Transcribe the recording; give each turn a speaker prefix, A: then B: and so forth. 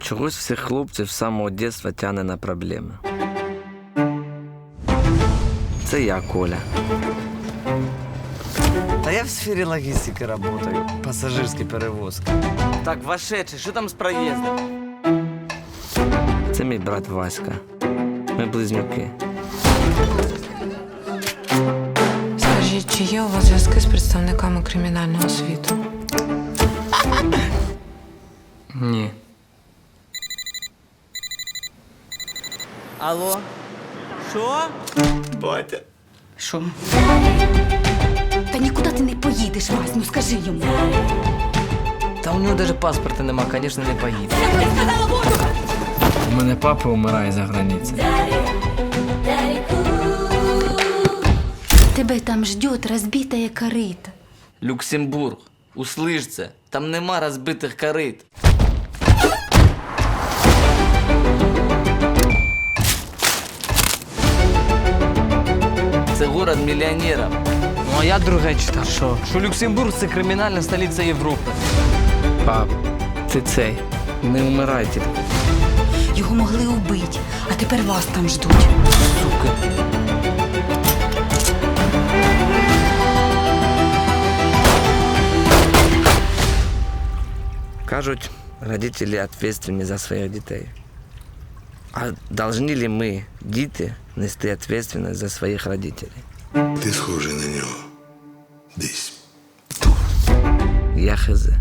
A: Чогось всіх хлопців з самого дитинства тягне на проблеми. Це я, Коля.
B: Та я в сфері логістики працюю, пасажирські перевозки.
C: Так, вошедший, що там з проїздом?
A: Це мій брат Васька. Ми близнюки.
D: Скажіть, чи є у вас зв'язки з представниками кримінального світу?
A: Ні.
C: Алло? Що?
E: Що? Та нікуди ти не поїдеш, Вась, ну скажи йому.
C: Та у нього навіть паспорта нема, звісно, не поїде.
A: У мене папа вмирає за границею.
E: Тебе там ждет розбитая корита.
C: Люксембург, услиш це, там нема розбитих корит. Це город мільйонерів.
B: Ну а я друге читав. Що Люксембург це кримінальна столиця Європи.
A: Пап, ти цей, не вмирайте.
E: Його могли убити, а тепер вас там ждуть.
C: Сука.
A: Кажуть, родителі відповідальні за своїх дітей. А повинні ли ми, діти, нести відповідальність за своїх родителей?
F: Ти схожий на нього. Десь.
A: Я хз.